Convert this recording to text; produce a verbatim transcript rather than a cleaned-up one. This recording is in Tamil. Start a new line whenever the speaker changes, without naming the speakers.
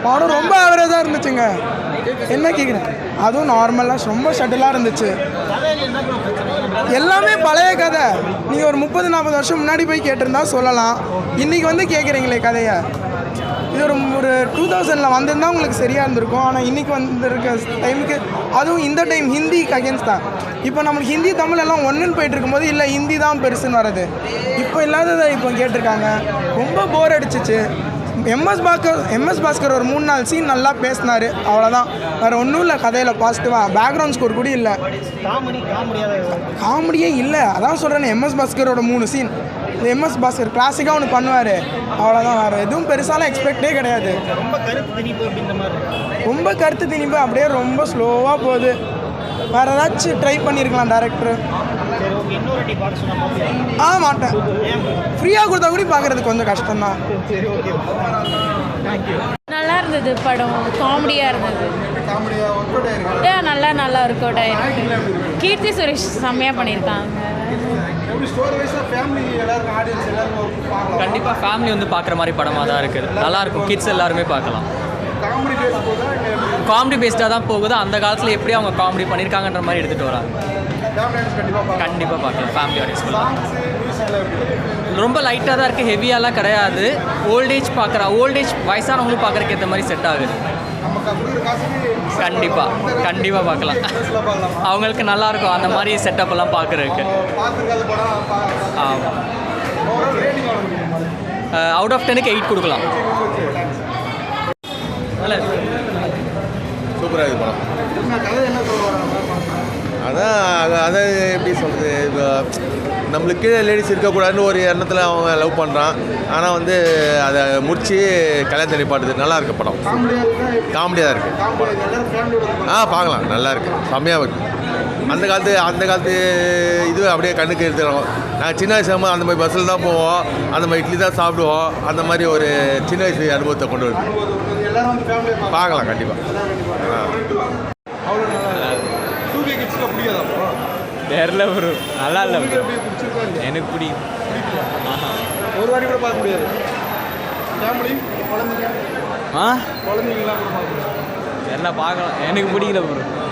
படம் ரொம்ப ஆவரேஜாக இருந்துச்சுங்க. என்ன கேட்குறேன், அதுவும் நார்மலாக ரொம்ப ஷட்டிலாக இருந்துச்சு. எல்லாமே பழைய கதை. நீங்கள் ஒரு முப்பது நாற்பது வருஷம் முன்னாடி போய் கேட்டிருந்தா சொல்லலாம். இன்றைக்கி வந்து கேட்குறீங்களே கதையை. இது ஒரு ஒரு டூ தௌசண்டில் வந்திருந்தால் உங்களுக்கு சரியாக இருந்திருக்கும். ஆனால் இன்றைக்கி வந்துருக்க டைமுக்கு, அதுவும் இந்த டைம் ஹிந்திக்கு அகேன்ஸ்ட் தான். இப்போ நம்மளுக்கு ஹிந்தி தமிழ் எல்லாம் ஒன்றுன்னு போயிட்டு இருக்கும்போது இல்லை ஹிந்தி தான் பெருசுன்னு வர்றது. இப்போ இல்லாததை இப்போ கேட்டிருக்காங்க. ரொம்ப போர் அடிச்சிச்சு. எம்எஸ் பாஸ்கர் எம்எஸ் பாஸ்கர் ஒரு மூணு நாலு சீன் நல்லா பேசினார், அவ்வளோதான். வேறு ஒன்றும் இல்லை கதையில் பாசிட்டிவாக. பேக்ரவுண்ட் ஸ்கோர் கூட இல்லை, காமெடியே இல்லை. அதான் சொல்கிறேன், எம்எஸ் பாஸ்கரோட மூணு சீன். இந்த எம்எஸ் பாஸ்கர் கிளாசிக்காக ஒன்று பண்ணுவார், அவ்வளோதான். வேறு எதுவும் பெருசாலாம் எக்ஸ்பெக்டே கிடையாது. ரொம்ப கருத்து திணிப்பு அப்படியே ரொம்ப ஸ்லோவாக போகுது. வேறு ஏதாச்சும் ட்ரை பண்ணியிருக்கலாம் டேரக்டர். ஆ மாட்டேன், ஃப்ரீயாக கொடுத்தா கூட பார்க்குறது கொஞ்சம் கஷ்டம்தான்.
நல்லா இருந்தது படம், காமெடியாக இருந்தது. ஏ நல்லா நல்லா ஒர்க் அவுட் ஆயிருக்கு. கீர்த்தி சுரேஷ் செம்மையாக பண்ணியிருக்காங்க.
கண்டிப்பாக ஃபேமிலி வந்து பார்க்குற மாதிரி படமாக தான் இருக்குது. நல்லாயிருக்கும், கிட்ஸ் எல்லாருமே பார்க்கலாம். காமெடி பேஸ்டாக தான் போகுது. அந்த காலத்தில் எப்படி அவங்க காமெடி பண்ணியிருக்காங்கன்ற மாதிரி எடுத்துகிட்டு வராங்க. கண்டிப்பாக பார்க்கலாம், ஃபேமிலி ஆடியன்ஸ். ரொம்ப லைட்டாக தான் இருக்குது, ஹெவியாலாம் கிடையாது. ஓல்டேஜ் பார்க்குற ஓல்டேஜ் வயசானவங்களும் பார்க்குறக்கு ஏற்ற மாதிரி செட் ஆகுது. கண்டிப்பாக கண்டிப்பாக பார்க்கலாம். அவங்களுக்கு நல்லாயிருக்கும் அந்த மாதிரி செட்டப் எல்லாம் பார்க்குறதுக்கு. ஆமாம், அவுட் ஆஃப் டென்னுக்கு எயிட் கொடுக்கலாம். நல்லா
சூப்பராக இருக்குது படம். அதான் அதை எப்படி சொல்கிறது, இப்போ நம்மளுக்கு கீழே லேடிஸ் இருக்கக்கூடாதுன்னு ஒரு எண்ணத்தில் அவங்க லவ் பண்ணுறான். ஆனால் வந்து அதை முடித்து கல்யாணத்தை நிப்பாட்டுது. நல்லா இருக்குது படம், காமெடியாக தான் இருக்குது. ஆ பார்க்கலாம், நல்லா இருக்குது, செம்மையாக இருக்குது. அந்த காலத்து அந்த காலத்து இது அப்படியே கண்ணுக்கு எடுத்துக்கிறோம். நாங்கள் சின்ன வயசு அந்த மாதிரி பஸ்ஸில் தான் போவோம், அந்த மாதிரி இட்லி தான் சாப்பிடுவோம். அந்த மாதிரி ஒரு சின்ன வயசு அனுபவத்தை கொண்டு வருது. பார்க்கலாம் கண்டிப்பாக.
தெரில ப்ரோ, நல்லா இல்லை ப்ரோ, எனக்கு பிடிக்கும்.
ஒரு வாரி கூட பார்க்க முடியாது.
ஆ தெரில, பார்க்கலாம், எனக்கு பிடிக்கல ப்ரோ.